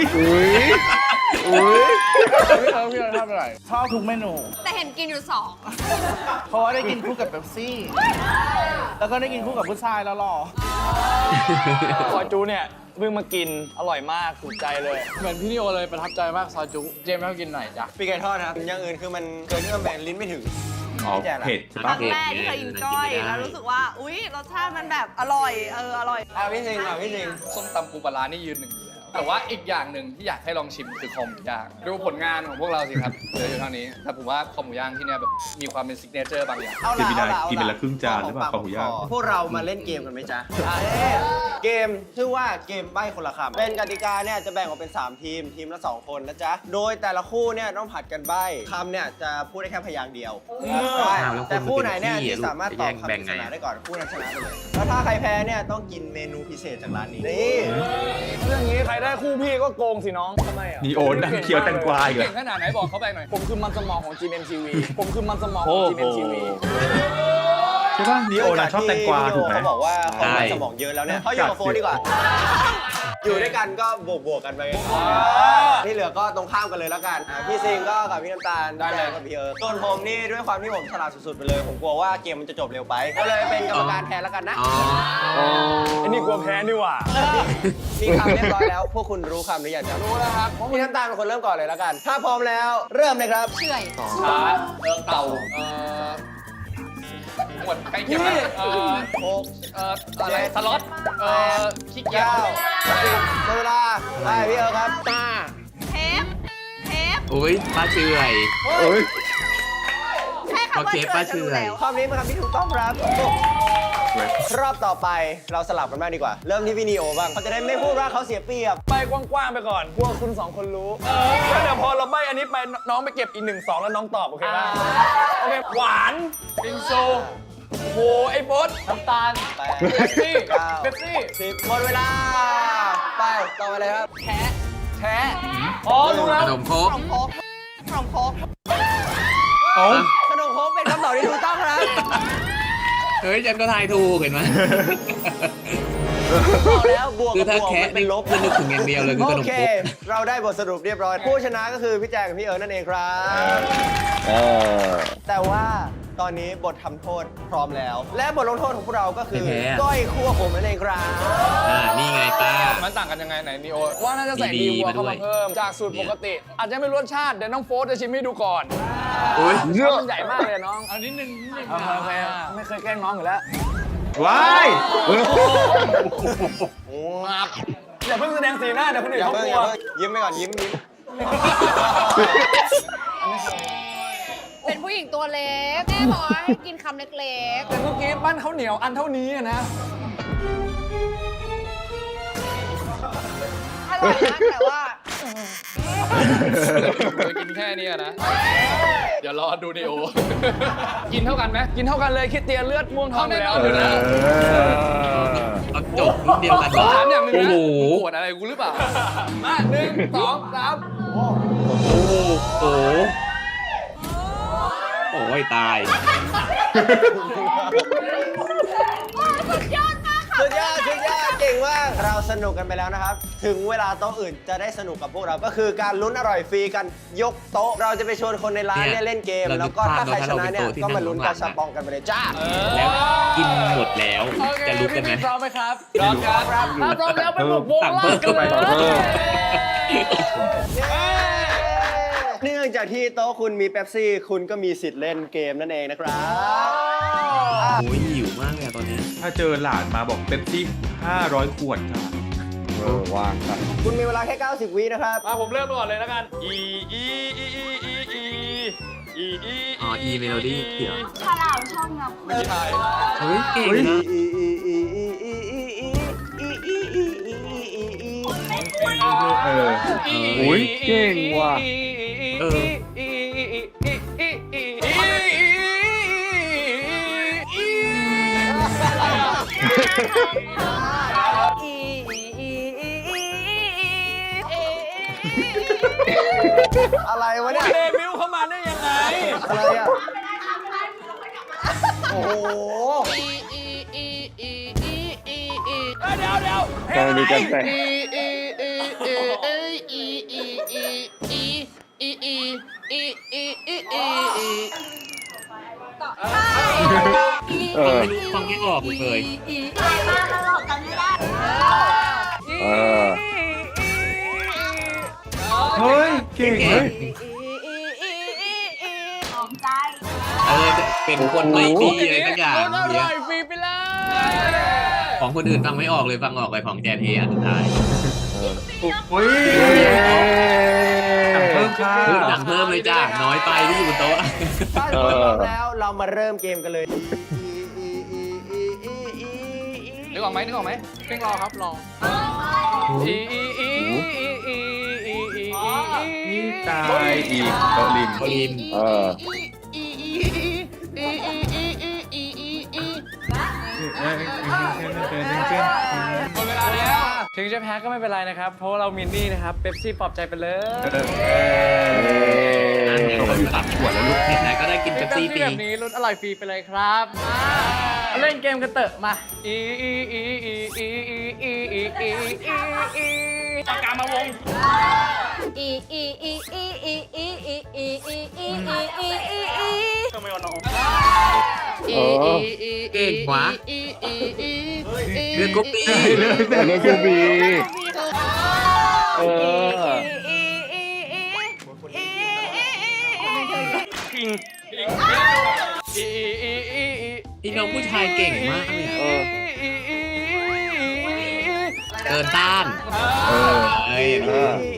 Speaker 5: พี่เราทำอะไรชอบทุกเมนู
Speaker 7: แต่เห็นกินอยู่
Speaker 5: เพราะว่าได้กินคู่กับเป๊ปซี่ แล้วก็ได้กินคู่กับผู้ชายแล้วหล่อ
Speaker 10: ซอยจูเนี่ยเพิ่งมากิน อร่อยมากถูกใจเลย
Speaker 8: เหมือนพี่นิโอเลยประทับใจมากซอยจุเจมส์ให้เขากินหน่อยจ้ะ
Speaker 6: ปีกไก่ทอดครับอย่างอื่นคือมันเกินที่มันแบนลิ้นไม่ถึง
Speaker 1: อ๋อ
Speaker 6: พี่แจนอะ
Speaker 1: เผ็ดใช่
Speaker 9: ค
Speaker 1: ปะ
Speaker 9: รั้งแรกที่เคยกินก้อยแล้วรู้สึกว่า อุ๊ย รสชาติมันแบบอร่อย อร่อย
Speaker 6: อ่ะพี่สิงห์อ่ะพี่สิงห์
Speaker 8: ส้มตำปูปลาร้านี่ยืนหนึ่งอยู่แล้วแต่ว่าอีกอย่างหนึ่งที่อยากให้ลองชิมคือคอหมูย่างดูผลงานของพวกเราสิครับเหลืออยู่เท่านี้แต่ผมว่าคอหมูย่างที่เนี่ยแบบมีความเป็นซิกเนเจอร์บางอย่าง
Speaker 6: เอา
Speaker 1: เจ
Speaker 6: ละ
Speaker 1: มินาย
Speaker 6: เอาละ
Speaker 1: กินไปละครึ่งจานหรือเปล่าข้าวหมูย่าง
Speaker 6: พวกเรามาเล่นเกมกันไหมจ๊ะเกมชื่อว่าเกมใบ้คนละคำเป็นกติกาเนี่ยจะแบ่งออกเป็น3ทีมทีมละ2คนนะจ๊ะโดยแต่ละคู่เนี่ยต้องผัดกันใบ้คำเนี่ยจะพูดได้แค่พยางค์เดียวใช่แต่คู่ไหนเนี่ยที่สามารถตอบคำปริศนาได้ก่อนคู่นั้นชนะไปเลยแล้วถ้าใครแพ้เนี่ยต้องกินเมนูพิเศษจากร้านนี้นี่
Speaker 10: เรื่องนี้ใครได้คู่พี่ก็โกงสิน้องทำไมอ่ะ
Speaker 1: นีโอนั่งเคี้ยวแตงกวาอีกเหร
Speaker 8: เก่
Speaker 1: อง
Speaker 8: ขนาดไหนบอกเขาไปหน่อย
Speaker 10: ผมคือมันสมองของ GMMTV ผมคือมันสมองของ GMMTV
Speaker 1: ใช่ปะนีโอน่ะชอบแตงกวาถูกไหม
Speaker 6: เขาบอกว่าเขามีสมองเยอะแล้วเนี่ยเขาอยู่กับโฟนดีกว่า อยู่ด้วยกันก็บวกกันไปที่เหลือก็ตรงข้ามกันเลยแล้วกันพี่ซิงก็กับพี่น้ำตาล
Speaker 8: ได้เลย
Speaker 6: แจงกับพี่เอิร์ธส่วนผมนี่ด้วยความที่ผมฉลาดสุดๆไปเลย ผมกลัวว่าเกมมันจะจบเร็วไป ก็เลยเป็นกรรมการแทนแล้วกันนะ
Speaker 2: อ๋อ
Speaker 10: ไอ้นี่กลัวแพ้นี่หว่า
Speaker 6: มีคำเรียบร้อยแล้ว พวกคุณรู้คำหรือยังครับรู้แล้วครับพี่น้ำตาลเป็นคนเริ่มก่อนเลยแล้วกัน ถ้าพร้อมแล้วเริ่มเลยครับ
Speaker 7: เฉื่อย
Speaker 8: ช้าเต่าหมวดใกล้เคียงนะอะไรสล็อตขี้เกียจ
Speaker 6: 9 10หมดเวลาไปพี่เอิร์ธครับตา
Speaker 9: เทป
Speaker 2: อุ้ยป้าเฉื่อย
Speaker 9: แค่คำว่า
Speaker 2: โอเคป้าเฉื่
Speaker 9: เชื่
Speaker 2: อย
Speaker 9: แล้ว
Speaker 6: คำนี้เป็นคำที่ถูกต้องครับ รอบต่อไปเราสลับกันบ้างดีกว่า เริ่มที่พี่นีโอบ้างเขาจะได้ไม่พูดว่าเขาเสียเปรียบ
Speaker 10: ไปกว้างๆไปก่อนกลัวคุณ2คนรู้แล้วเดี๋ยวพอเราใบอันนี้ไปน้องไปเก็บอีก1 2แล้วน้องตอบโอเคป่ะโอเคหวานบิงซูโอ้โหไอ้โบ๊ทน้ำตาล
Speaker 6: ไป
Speaker 10: เป๊ปซี่
Speaker 6: 9
Speaker 10: เป๊ปซี่
Speaker 6: 10หมดเวลา ไปต่อไปเลยครับ
Speaker 10: แท้อ๋อรู้แล้ว
Speaker 2: ขนมครก
Speaker 9: ขนมโค้กขนมโค้ก
Speaker 1: เอ้า
Speaker 6: ขนมโค้กเป็นคำตอบที่ถูกต้องครับ
Speaker 2: เฮ้ยฉันก็ทายถูกเห็นไหม
Speaker 6: บอกแล้วบวก
Speaker 2: คือ
Speaker 6: กับ
Speaker 2: ถ้า
Speaker 6: บวก
Speaker 2: แค่
Speaker 6: มันเป็นลบ
Speaker 2: นึกถึงอย่างเดียวเลยคือ
Speaker 6: โอ
Speaker 2: ขนม
Speaker 6: เค
Speaker 2: ครก
Speaker 6: เราได้บทสรุปเรียบร้อย ผู้ชนะก็คือพี่แจงกับพี่เอิร์ธนั่นเองครับ แต่ว่าตอนนี้บททำโทษพร้อมแล้ว และบทลงโทษของพวกเราก็คือ
Speaker 2: แพ้ๆ
Speaker 6: ก้อยคั่วผมนั่นเองครับ
Speaker 2: นี่ไงป้า
Speaker 8: มันต่างกันยังไงไหนนีโอ
Speaker 10: ว่าน่าจะใส่
Speaker 2: ดี
Speaker 10: ดี
Speaker 2: ๆ
Speaker 10: วัว
Speaker 2: มาด้
Speaker 10: เข้า
Speaker 2: วย
Speaker 10: มาเพิ่มจากสูตรปกติ อาจจะไม่รสชาติเดี๋ยวน้องโฟสจะชิมให้ดูก่อน
Speaker 2: อุ้ย
Speaker 10: เพราะมันใหญ่มากเลยน้อง
Speaker 8: อันนี้หนึ่ง
Speaker 10: โอเคไม่เคยแกล้งน้องอยู่แล้ว
Speaker 1: ว้าย
Speaker 10: อย่าเพิ่งแสดงสีหน้าเดี๋ยวคนอื่น
Speaker 6: อย่า
Speaker 10: เขา
Speaker 6: เพิ่ง
Speaker 10: ก
Speaker 6: อ
Speaker 10: ลั
Speaker 6: ย่าว เพิ่งยิ้มไปก่อนยิ้ม
Speaker 7: เป็นผู้หญิงตัวเล็ก แม่บอกว่าให้กินคำเล็ก
Speaker 10: แต่เมื่อกี้ปั้นข้าวเหนียวอันเท่านี้อะนะ
Speaker 9: อร่อยนะแต่ว่า
Speaker 8: จะกินแค่นี้อะนะ เดี๋ยวรอดูดีโอ กินเท่ากันไหม
Speaker 10: กินเท่ากันเลยคริสเตียนเลือดม่วงทองอยู่แล้ว
Speaker 8: เอาแน่นอน
Speaker 2: เอาจบรุ่นเดียวกันเหรอ
Speaker 8: ถามอย่างหนึง
Speaker 2: โอ้
Speaker 8: นะ
Speaker 2: โห
Speaker 8: มึงปวดอะไรกูหรือเปล่า
Speaker 10: มา1 2 3
Speaker 2: โอ้โหโอ้ยตาย
Speaker 7: สุดยอดมากค่ะ
Speaker 6: สุดยอดเก่งมาก เราสนุกกันไปแล้วนะครับ ถึงเวลาโต๊ะอื่นจะได้สนุกกับพวกเรา ก็คือการลุ้นอร่อยฟรีกันยกโต๊ะ เราจะไปชวนคนในร้านเนี่ยเล่นเกม
Speaker 2: เรา
Speaker 6: แล้วก็ถ้าใครชนะเนี่ย
Speaker 2: ถ้าเราเป็นโต๊ะที่
Speaker 6: ก็มาลุ้น
Speaker 2: นั่
Speaker 6: กาง
Speaker 2: ข้างหลัง
Speaker 6: ชาปองกันไปเลยจ้า
Speaker 2: แล้วกินหมดแล้ว
Speaker 10: โอเค
Speaker 2: จะลุกกันไหม
Speaker 10: พี่พร้อมไหมครับ
Speaker 8: พร้อมครับ
Speaker 10: ถ้าพร้อมแล้วไปบุกวง
Speaker 2: สั่ง
Speaker 10: ล่า
Speaker 2: เพิ่
Speaker 10: ง
Speaker 2: ม
Speaker 10: กันเลย
Speaker 2: เข้าไป
Speaker 6: เนื่องจากที่โต๊ะคุณมีเป๊ปซี่คุณก็มีสิทธิ์เล่นเกมนั่นเองนะครับ
Speaker 2: โอ้ยหิวมากเลยอะตอนเนี้ย
Speaker 1: ถ้าเจอหลานมาบอกเป๊ปซี่500 ขวดค่ะ
Speaker 3: วางกัน
Speaker 6: คุณมีเวลาแค่ 90 วินะครับ
Speaker 10: มาผมเริ่มก่อนเลยแล้วกัน
Speaker 2: อ๋อ E Melody เดี๋ยว
Speaker 7: ฉลามชอบงับ
Speaker 10: ไม่ใช่
Speaker 2: เฮ้ยเก่งนะ
Speaker 1: เออ
Speaker 3: อุ๊ยเก่งว่ะ
Speaker 2: เออ
Speaker 6: อะไรวะเนี่ย
Speaker 10: เดบิวต์เข้ามาได้ยังไง
Speaker 6: อะไรอ่ะ โอ้โห
Speaker 10: เดี๋ยว
Speaker 3: ตอนนี้กันแต่
Speaker 2: ฟังไม่ออกเลย
Speaker 3: เออ
Speaker 1: เฮ้ย เก่งเฮ้ย
Speaker 2: เออเป็นคนไม่ดีอะไรสักอย่าง
Speaker 10: คนอ
Speaker 2: เนี่
Speaker 10: ร่
Speaker 2: ย
Speaker 10: อยฟรีไปเลย
Speaker 2: ของคนอื่นฟังไม่ออกเลยฟังออกไปของแจนเออันสุดท้าย
Speaker 1: โอ้ยสั่งเพิ่มค่ะ
Speaker 2: เฮ้ยสั่งเพิ่มเลยจ้าน้อยไปที่อยู่บนโต๊ะ
Speaker 6: ถ้าทุกคนพร้อมแล้วเรามาเริ่มเกมกันเลย
Speaker 8: นึกออกไหมเพ่งรอครับรอ
Speaker 1: นี่ตายอีกโต๊ะริม
Speaker 2: โอลิม
Speaker 3: เออ
Speaker 10: หมดเวลาแล้ว ถึงจะแพ้ก็ไม่เป็นไรนะครับ เพราะว่าเรามินนี่นะครับ เป๊ปซี่ปลอบใจไปเลย
Speaker 2: อันนี้เขาอยู่ตัดขวดแล้วลูกไหนๆก็ได้กินเป๊ปซี่ฟรี
Speaker 10: แบบนี้ลุ้นอร่อยฟรีไปเลยครับมาเล่นเกมกันเถอะมาปากกามาวง ทำไมเอาน้อง
Speaker 2: เก่งกว่าเรื่องกุ๊ปปี้
Speaker 3: แต่เรื่องกูบีเออ
Speaker 2: พี่น้องผู้ชายเก่งมากเลย
Speaker 3: เอ
Speaker 2: อะ
Speaker 3: อ
Speaker 2: เดินต้าน
Speaker 1: เออ
Speaker 2: เอ้ยอัน
Speaker 3: เอ
Speaker 2: นี้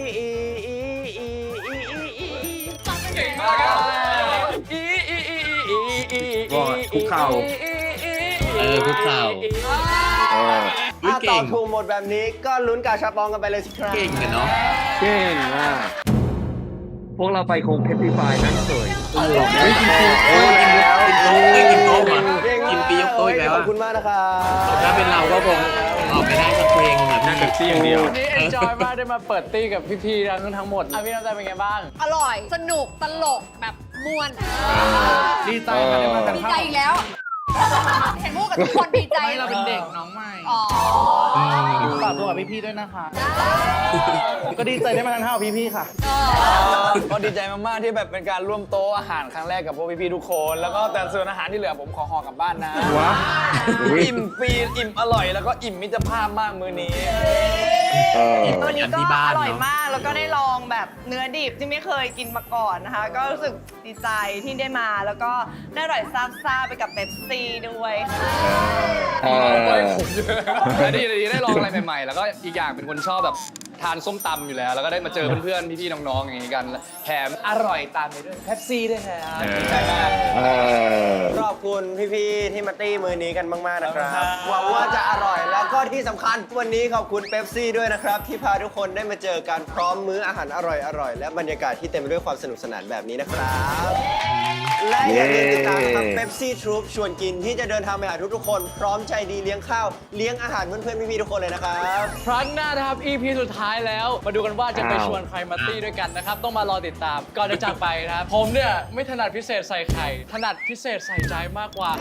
Speaker 3: อ
Speaker 1: ว่าคุกเข่า
Speaker 2: คุกเข่า
Speaker 3: เออ
Speaker 2: อุ๊ย
Speaker 6: ถ้าต
Speaker 2: เก่
Speaker 6: อบ
Speaker 2: ง
Speaker 6: ถูกหมดแบบนี้ก็ลุ้นกาชาปองกันไปเลยสิครับ
Speaker 2: เก่งกันเนาะ
Speaker 3: เก่งมาก พวกเราไปคงเพชรพีไฟนั่งสวย
Speaker 2: โอ้ยกินโต๊ะกินโต๊ะมากินปียกโต๊ะอีกแล้ว
Speaker 6: ขอ
Speaker 2: อะ
Speaker 6: บคุณมากนะครับ
Speaker 2: ถ้าเป็นเราก็คงออกไปได้สักเพลงอะ
Speaker 1: นั่งเป๊ปซี่อย่างเดียว
Speaker 10: วันนี้เอนจอยมากได้มาเปิดตี้กับพี่ๆทั้งหมดอ่ะพี่น้ำใจเป็นไงบ้าง
Speaker 7: อร่อย สนุก ตลก แบบม่วน
Speaker 5: ดีใจค่ะได้มากัน
Speaker 7: ดี
Speaker 5: ข้าว
Speaker 7: ใจอีกแล้ว เห็นพูดกับทุกคนดีใจ
Speaker 5: ไม่เราเป็นเด็กน้องใหม่
Speaker 7: อ๋อ
Speaker 5: ฝากตัวกับพี่ๆด้วยนะคะ ก็ดีใจได้มาทานข้าวกับพี่ๆค่ะ
Speaker 10: ก็ดีใจมากๆที่แบบเป็นการร่วมโต๊ะอาหารครั้งแรกกับพวกพี่ๆทุกคน แล้วก็แต่ส่วนอาหารที่เหลือผมขอห่อกลับบ้านนะ
Speaker 1: วะ
Speaker 10: อิ่มฟรีอิ่มอร่อยแล้วก็อิ่มมิตรภาพมากมื้อนี้
Speaker 3: เออ
Speaker 9: ตัวนี้ก็
Speaker 2: ที่บ้า
Speaker 9: อน ร่อย
Speaker 2: เนาะ
Speaker 9: มาก แล้วก็ได้ลองแบบเนื้อดิบที่ไม่เคยกินมาก่อนนะคะ ก็รู้สึกดีใจที่ได้มา แล้วก็ได้อร่อยซาบซ่าไปกับเป๊ปซี่ด้วยค่ะ
Speaker 3: เออ
Speaker 8: ได้ลองอะไรใหม่ๆ แล้วก็อีกอย่างเป็นคนชอบแบบทานส้มตำอยู่แล้ว แล้วก็ได้มาเจอเพื่อนๆพี่ๆน้องๆอย่างนี้กันแถมอร่อยตามไปด้วยเ e ปซี่ด้วยครับดีใจมาก
Speaker 6: ขอบคุณพี่ๆที่มาตี้มือนี้กันมากๆนะครับหวังว่าจะอร่อยแล้วก็ที่สำคัญวันนี้ขอบคุณเป๊ปซี่ด้วยนะครับที่พาทุกคนได้มาเจอกันพร้อมมื้ออาหารอร่อยๆและบรรยากาศที่เต็มไปด้วยความสนุกสนานแบบนี้นะครับและอย่าลืมติดตามนะครับเป๊ปซี่ทรูปชวนกินที่จะเดินทางไปหาทุกๆคนพร้อมใจดีเลี้ยงข้าวเลี้ยงอาหารเพื่อนๆพี่ๆทุกคนเลยนะครับ
Speaker 10: ครั้งหน้านะครับ EP สุดท้ายแล้ว มาดูกันว่าจะไปชวนใครมาตี้ด้วยกันนะครับ ต้องมารอติดตาม ก่อนจะจากไปนะครับ ผมเนี่ยไม่ถนัดพิเศษใส่ไข่ ถนัดพิเศษใส่ใจมากกว่า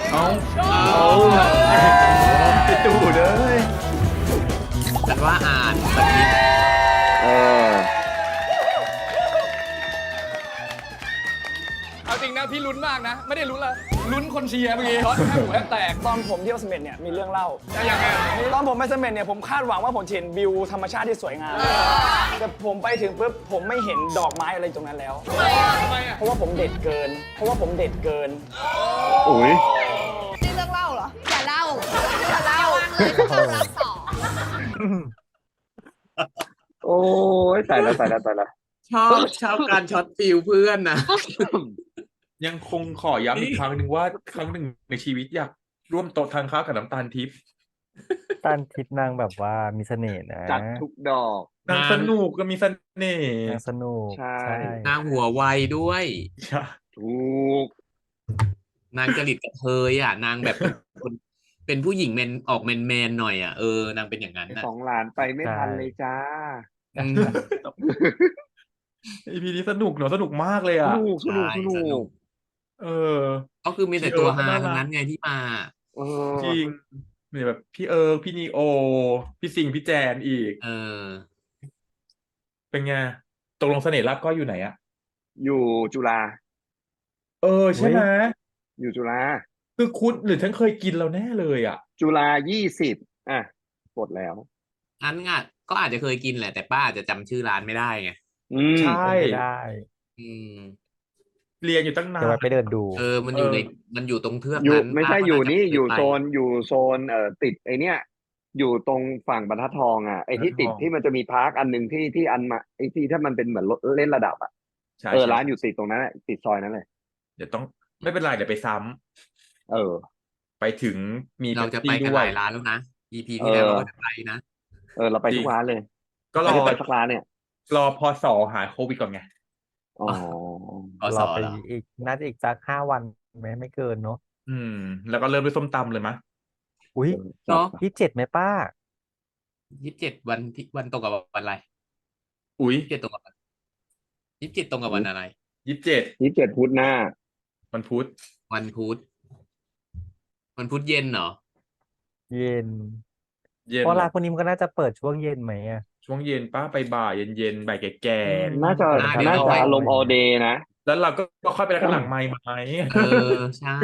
Speaker 1: ไปดูเลย
Speaker 2: ฉันว่าอ่านแบบนี้
Speaker 8: เอาจริงนะพี่ลุ้นมากนะ ไม่ได้ลุ้นละลุ้นคนเชียร์เมื่อกี้ช็อตแทบหูแทบแตก
Speaker 10: ตอนผมเที่ยวเสม็ดเนี่ยมีเรื่องเล่า
Speaker 8: ยังไง
Speaker 10: ตอนผมไปเสม็ดเนี่ยผมคาดหวังว่าผมจะเห็นวิวธรรมชาติที่สวยงาม แต่ผมไปถึงปุ๊บผมไม่เห็นดอกไม้อะไรตรงนั้นแล้ว
Speaker 8: ทำไมอ่ะ
Speaker 10: เพราะว่าผมเด็ดเกิน
Speaker 3: อุ้ย
Speaker 9: นี่เรื่องเล่าเหรอ
Speaker 7: อย่าเล่าอย่าเล่าวางเลยถ้าเรารับสอง
Speaker 3: โอ้ยตายแล้ว
Speaker 2: ชอบการช็อตฟิลเพื่อนนะ
Speaker 1: ยังคงขอย้ำอีกครั้งหนึ่งว่าครั้งหนึ่งในชีวิตอยากร่วมโต๊ะทานข้าวกับน้ำตาลทิพย์
Speaker 4: ตันทิพย์นางแบบว่ามีเสน่ห์นะ
Speaker 3: จัดทุกดอก
Speaker 1: นางสนุกก็มีเสน่ห์
Speaker 4: นางสนุก
Speaker 3: ใช่
Speaker 2: นางหัวไวด้วย
Speaker 1: ใช่
Speaker 3: ถูก
Speaker 2: นางจริตกระเทยอ่ะ นางแบบเป็นผู้หญิงออกแมนหน่อยอ่ะนางเป็นอย่างนั้น
Speaker 3: ไอ้
Speaker 2: นะ
Speaker 3: สองหลานไปไม่ทันเลยจ้า
Speaker 2: อืม
Speaker 1: อีพีนี้สนุกเนอะสนุกมากเลยอ่ะ
Speaker 2: ใช่สนุก
Speaker 1: เออ
Speaker 2: ก็คือมีแต่ตัวฮา
Speaker 1: พี่เอิร์ธก็น่ารัก
Speaker 2: ทั้งนั้นไงที่มา
Speaker 3: เออ
Speaker 1: จริงมีแบบพี่พี่นีโอ พี่สิงห์พี่แจนอีก เป็นไงตกลงเสน่ห์ลาบก้อยอยู่ไหนอะ
Speaker 3: อยู่จุฬา
Speaker 1: ใช่ไหม
Speaker 3: อยู่จุฬา
Speaker 1: คือคุณหรือฉันเคยกินแล้วแน่เลยอ่ะ
Speaker 3: จุฬา20อ่ะกดแล้ว
Speaker 2: อันอ่ะก็อาจจะเคยกินแหละแต่ป้าอาจจะจำชื่อร้านไม่ได้ไง
Speaker 1: ใช่
Speaker 4: ไม่ได้
Speaker 2: อืม
Speaker 1: เรียนอยู่ตั้งนา
Speaker 4: เดี๋ยวไว้
Speaker 1: น
Speaker 4: ไปเดินดู
Speaker 2: มันอยู่มันอยู่ตรงเทือก
Speaker 3: อยู่
Speaker 2: นั้น
Speaker 3: ไม่ใช่
Speaker 2: ป้าก็
Speaker 3: อยู่
Speaker 2: าจะ
Speaker 3: นี่
Speaker 2: เค
Speaker 3: อยู่
Speaker 2: ไป
Speaker 3: โซนติดไอเนี้ยอยู่ตรงฝั่งบรรทัดทองอ่ะไอที่ติดที่มันจะมีพาร์คอันหนึ่งที่อันมาไอที่ถ้ามันเป็นเหมือนรถเล่นระดับอ่ะ
Speaker 1: ใช่
Speaker 3: ร้านอยู่ติดตรงนั้นอะติดซอยนั้นเลย
Speaker 1: เดี๋ยวต้องไม่เป็นไรเดี๋ยวไปซ้ำ
Speaker 3: เออ
Speaker 1: ไปถึงมี
Speaker 2: เราจะไป
Speaker 1: Pepsi
Speaker 2: กัน
Speaker 1: ด้
Speaker 2: ห
Speaker 1: วย
Speaker 2: ลายร้านแล้วนะ EP ที่แล้วเราก็จะไปนะ
Speaker 3: เราไปทุกร้านเลย
Speaker 1: ก็ร
Speaker 3: ไม่
Speaker 1: อ
Speaker 3: ได้ไปสักร้านเนี่ย
Speaker 1: รอพศหายโควิดก่อนไง
Speaker 3: อ๋อ
Speaker 4: รอไปอีกน่าจะอีกสัก5 วันไม่เกินเนอะ
Speaker 1: แล้วก็เริ่มด้วยส้มตำเลยมะ
Speaker 4: อุ้ย
Speaker 2: เนาะ
Speaker 4: 27ไหมป้า
Speaker 2: 27วันตรงกับวันอะไร
Speaker 1: อุ๊ย
Speaker 2: 27ตรงกับวัน27ตรงกับวันอะไร
Speaker 1: 27
Speaker 3: พุธหน้า
Speaker 1: วันพุธ
Speaker 2: วันพุธเย็นเหรอ
Speaker 4: เย็น
Speaker 1: เย็น
Speaker 4: เพราะร้านพวกนี้มันก็น่าจะเปิดช่วงเย็นไหมอ่ะ
Speaker 1: ช่วงเย็นป้าไปบ่ายเย็นๆบ่ายแก่
Speaker 3: น่าจะ
Speaker 2: เดี๋ยว
Speaker 3: น่า
Speaker 2: เรา
Speaker 3: จะ
Speaker 2: ไป
Speaker 3: อารมณ์ all day นะ
Speaker 1: ๆแล้วเราก็ค่อยไปแล้วกันหลังไมค์ไหม
Speaker 2: ใช่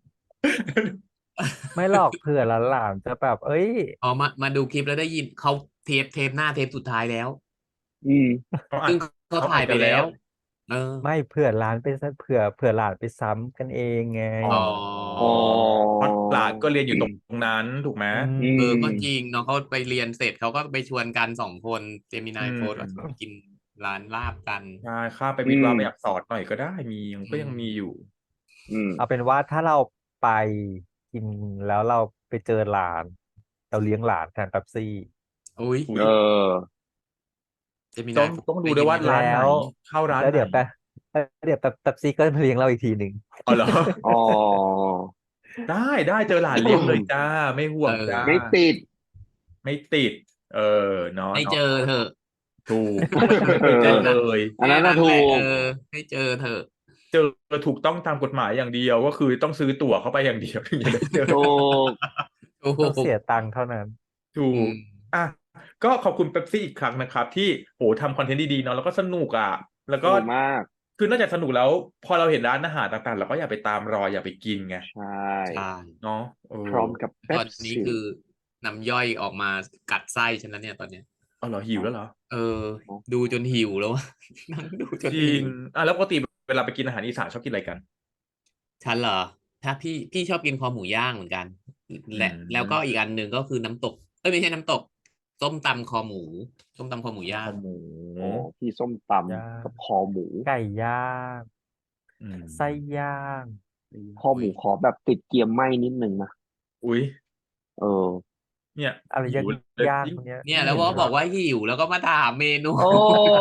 Speaker 4: ไม่หรอกเผื่อหลานๆจะแบบ เอ้ย
Speaker 2: มาดูคลิปแล้วได้ยินเขาเทปหน้าเทปสุดท้ายแล้ว
Speaker 3: อืม
Speaker 2: ซึ่งเขาถ่ายไปแล้ว
Speaker 4: ไม่เผื่อร้านไปซะเผื่อหลานไปซ้ำกันเองไง
Speaker 2: อ๋อ
Speaker 1: เพราะหลานก็เรียนอยู่ตรงนั้นถูกไหม
Speaker 2: ก็จริงเนาะเขาไปเรียนเสร็จเขาก็ไปชวนกัน2 คนเจมินายโฟร์ไปกินร้านลาบกัน
Speaker 1: ใช่ข้าไปวิทย์ว่าไปอักษรหน่อยก็ได้ก็ยังมีอยู่
Speaker 4: เอาเป็นว่าถ้าเราไปกินแล้วเราไปเจอหลาน เราเลี้ยงหลานแทนเป๊ปซี่
Speaker 2: อุ้ยเจมิ
Speaker 1: ต้
Speaker 2: นา
Speaker 1: อง
Speaker 2: ย
Speaker 1: ต้องดูด้วยว่าร้านไหน
Speaker 4: แล้ว
Speaker 1: เข้าร้าน
Speaker 4: แล้วเดี๋ยว
Speaker 1: ไหน
Speaker 4: เดี๋ยวเป๊ปซี่ก็มาเลี้ยงเราอีกทีหนึ่ง
Speaker 1: อ๋อเหรอ
Speaker 3: อ๋อ
Speaker 1: ได้เจอหลานเลี้ยงเลยจ้าไม่ห่วงจ้า
Speaker 3: ไม่ติด
Speaker 1: ไม่ติด เนาะ
Speaker 2: ให้เจอเถอะ
Speaker 1: ถูกไม่เจอเลย
Speaker 3: อันนั้นน่ะถูก
Speaker 2: ให้เจอเถอะ
Speaker 1: เจอถูกต้องตามกฎหมายอย่างเดียวก็คือต้องซื้อตั๋วเข้าไปอย่างเดียวถึงจะได้เจอ
Speaker 3: ถูก
Speaker 4: ต้องเสียตังค์เท่านั้น
Speaker 1: ถูกก็ขอบคุณเป๊ปซี่อีกครั้งนะครับ ที่ทำคอนเทนต์ดีๆเนาะแล้วก็สนุกแล้วก็
Speaker 3: สนุกมาก
Speaker 1: คือนอกจากสนุกแล้ว พอเราเห็นร้านอาหารต่างๆเราก็อยากไปตามรอยอยากไปกินไง
Speaker 3: ใช่
Speaker 1: เนาะ
Speaker 3: พร้อมกับ
Speaker 2: ตอนนี้คือน้ำย่อยออกมากัดไส้ฉันแล้วเนี่ยตอนเนี้ย
Speaker 1: อ๋อเหรอหิวแล้วเหรอ
Speaker 2: ดูจนหิวแล้ว นั่งดูจน
Speaker 1: จริ
Speaker 2: หิ
Speaker 1: ง
Speaker 2: ว
Speaker 1: แล้วปกติเวลาไปกินอาหารอีสานชอบกินอะไรกัน
Speaker 2: ฉันเหรอ ถ้าพี่ชอบกินคอหมูย่างเหมือนกัน แล้วก็อีกอันหนึ่งก็คือน้ำตกไม่ใช่น้ำตก สส้มตำคอหมูส้มตำคอหมูย่าง
Speaker 1: หมู
Speaker 3: โอ้พี่ส้มต
Speaker 4: ย่าง
Speaker 3: ำกับคอหมู
Speaker 4: ไก่ย่าง
Speaker 1: อืม
Speaker 4: ไส้ย่าง
Speaker 3: คอหมูขอแบบติดเกียมไหม้นิดนึงนะ
Speaker 1: อุ้ย
Speaker 3: เออ
Speaker 1: เนี่ย
Speaker 4: อะไร
Speaker 1: หิวเลย
Speaker 4: ย่าง
Speaker 1: ยิ่ง
Speaker 4: พวกเนี้ย
Speaker 2: เนี่ยแล้วว่าบอกว่าหิวแล้วก็มาถามเมนู
Speaker 3: โอ้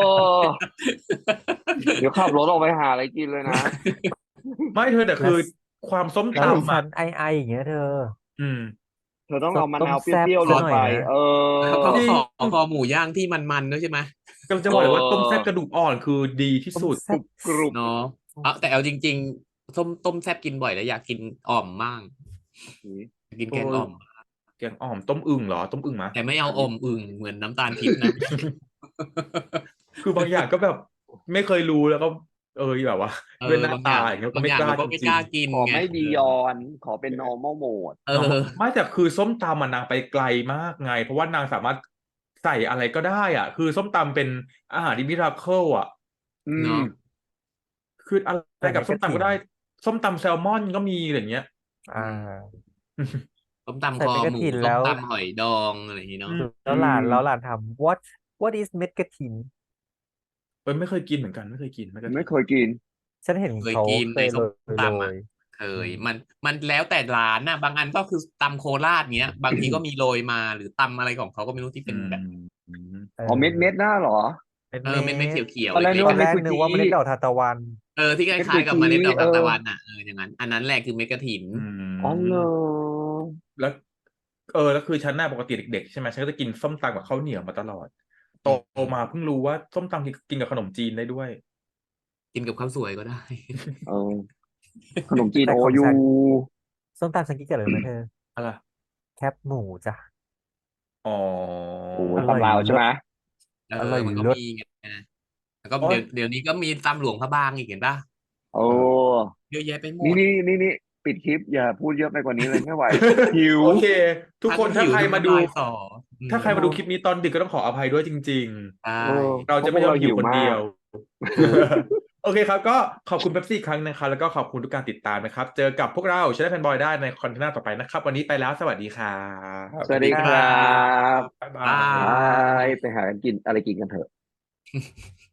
Speaker 3: เดี๋ยวขับรถออกไปหาอะไรกินเลยนะ
Speaker 1: ไม่เธอแต่คือความส้ม
Speaker 4: แล้วดิ
Speaker 1: ตำ
Speaker 4: ฉั
Speaker 1: อ่ะ
Speaker 4: นไออย่างเงี้ยเธอ
Speaker 1: อืม
Speaker 3: เธอต้องเอามะนาวเป
Speaker 4: ต้มแซ่บ
Speaker 3: รี้ยวๆลงไป
Speaker 4: ซะหน่อยนะ
Speaker 3: เออ
Speaker 2: แล้วก็คอหมูย่างที่มันๆด้วยใช่ไหม
Speaker 1: กำลังจะบอกเลยว่า
Speaker 3: เออ
Speaker 1: ต้มแซ่บกระดูกอ่อนคือดีที่
Speaker 4: ต้ม
Speaker 1: สุด
Speaker 4: แซ่บ
Speaker 3: กรุบ
Speaker 2: เนาะแต่เอาจริงๆต้มแซ่บกินบ่อยแล้วอยากกินอ่อมมากอยากกินแกงอ่อม
Speaker 1: แกงอ่อมต้มอึ่งเหรอต้มอึ่งมะ
Speaker 2: แต่ไม่เอาอ่อมอึ่งเหมือนน้ำตาลทิพย์นะ
Speaker 1: คือบางอย่างก็แบบไม่เคยรู้แล้วก็แบบว่า
Speaker 2: เอ
Speaker 1: ด้วย
Speaker 2: อ
Speaker 1: หน้า
Speaker 2: บางอย่า
Speaker 1: ตาง อย่างเงี้ยก็
Speaker 2: บาง
Speaker 1: ไม่
Speaker 2: อย่าง
Speaker 1: กล้า
Speaker 2: เราก็
Speaker 1: จ
Speaker 2: ไม่
Speaker 1: ริ
Speaker 2: ก
Speaker 1: ง
Speaker 2: ล้ากิน
Speaker 3: ขอ
Speaker 2: ไง
Speaker 3: ไม่บียอน ขอเป็น normal mode
Speaker 2: เออ
Speaker 1: ๆไม่แต่คือส้มตำมันนางไปไกลมากไง เพราะว่านางสามารถใส่อะไรก็ได้อ่ะ คือส้มตำเป็นอาหารที่มิราเคิลอ่ะ
Speaker 3: อื
Speaker 2: เน
Speaker 3: ม
Speaker 2: อะ
Speaker 1: คืออะไรกับส้มตำก็ได้ ส้มตำแซลมอนก็มีอะไรเงี้ย
Speaker 4: อ่า
Speaker 2: ต้มตำ
Speaker 4: ใส่
Speaker 2: คอ
Speaker 4: เม็ดก
Speaker 2: ห
Speaker 4: ระ
Speaker 2: มู
Speaker 4: ถิน
Speaker 2: ต้
Speaker 4: แล้
Speaker 2: ม
Speaker 4: ว
Speaker 2: ตำหอยดองอะไรอย่างงี้เนาะ
Speaker 4: แล้วหลานถาม what is เม็ดกระถิน
Speaker 1: ไม่เคยกินเหมือนกันไม่เคยกินไม่เคย
Speaker 3: ไม่
Speaker 1: กิน
Speaker 3: เคยกิน
Speaker 4: ฉันเห็น
Speaker 2: เคย
Speaker 4: เขา
Speaker 2: กิน
Speaker 4: เค
Speaker 2: ใน
Speaker 4: ย
Speaker 2: ส้ม
Speaker 4: โร
Speaker 2: ตำอ่ะ
Speaker 4: ย
Speaker 2: เคยมันแล้วแต่ร้านน่ะ บางอันก็คือตำโคราชเงี้ย บางทีก็มีโรยมาหรือตำอะไรของเขาก็ไม่รู้ที่เป็นแบบ
Speaker 1: อืม
Speaker 3: อ๋อเม็ดหน้าเหรอ
Speaker 2: เม็ดเขียว
Speaker 3: ตอนแรก
Speaker 2: ๆ
Speaker 3: นึ
Speaker 2: เล็
Speaker 3: ก
Speaker 2: ก
Speaker 3: ว่า
Speaker 4: ตอน
Speaker 3: เม็
Speaker 4: แร
Speaker 3: ด
Speaker 4: ก
Speaker 3: กุ
Speaker 4: นึก
Speaker 3: จี
Speaker 4: ว่าเมล็ดดอกทานตะวัน
Speaker 2: ๆที่ค
Speaker 3: เม็ด
Speaker 2: ล้ายๆกับเมล็ดดอก
Speaker 3: กุ
Speaker 2: ทาน
Speaker 3: จี
Speaker 2: ตะวันอ่ะอย่างนั้น อันนั้นแหละคือเม็ดกฐิน
Speaker 1: อืม
Speaker 3: อ๋อเหรอ
Speaker 1: แล้วแล้วคือฉันน่ะปกติเด็กๆใช่ไหมฉันก็จะกินส้มตำกับข้าวเหนียวมาตลอด โตมาเพิ่งรู้ว่าส้มตำกินกับขนมจีนได้ด้วย
Speaker 2: กินกับข้าวสวยก็ได้
Speaker 3: เออ ขนมจีน
Speaker 4: แต่
Speaker 3: โอ
Speaker 4: ของ
Speaker 3: ยู
Speaker 4: ฉัน ส้มตำฉันกินกับอะไรรู้ไหมเธอ
Speaker 1: อะไร
Speaker 4: แคบหมูจ้ะ
Speaker 1: อ๋อ
Speaker 3: โอ้
Speaker 4: อร่อย
Speaker 3: ตำลาวใช่ไหม
Speaker 4: อร่อย
Speaker 2: มันก็
Speaker 4: เลิศ
Speaker 2: มีไงแล้วก็
Speaker 1: โอ๊ย
Speaker 2: เดี๋ยวนี้ก็มีตำหลวงพระบางอีกเห็นป่ะ
Speaker 3: โอ้
Speaker 2: เยอะแยะไปหมด
Speaker 3: นี่ปิดคลิปอย่าพูดเยอะไปกว่านี้เลยไม่ไหว หิว
Speaker 1: โอเค ทุกคนถ้า
Speaker 2: หิว
Speaker 1: ใครมาดู
Speaker 2: น้ำลยสอ
Speaker 1: ถ้าใครมาดูคลิปนี้ตอนดึกก็ต้องขออภัยด้วยจริง
Speaker 2: ใช่
Speaker 3: เออ
Speaker 1: ๆ เราจะไม่ยอมหิวคนเดียว
Speaker 3: เพราะพวกเราหิวมาก
Speaker 1: โอเคครับ ก็ขอบคุณเป๊ปซี่อีกครั้งนะครับ แล้วก็ขอบคุณทุกการติดตามนะครับ เจอกับพวกเราชาแนลแฟนบอยได้ในคอนเทนต์ต่อไปนะครับ วันนี้ไปแล้วสวัสดีครับ
Speaker 3: สวัสดีครับ
Speaker 1: บ๊ายบา
Speaker 2: บ๊าย
Speaker 3: บาย ไปหากันกินอะไรกินกันเถอะ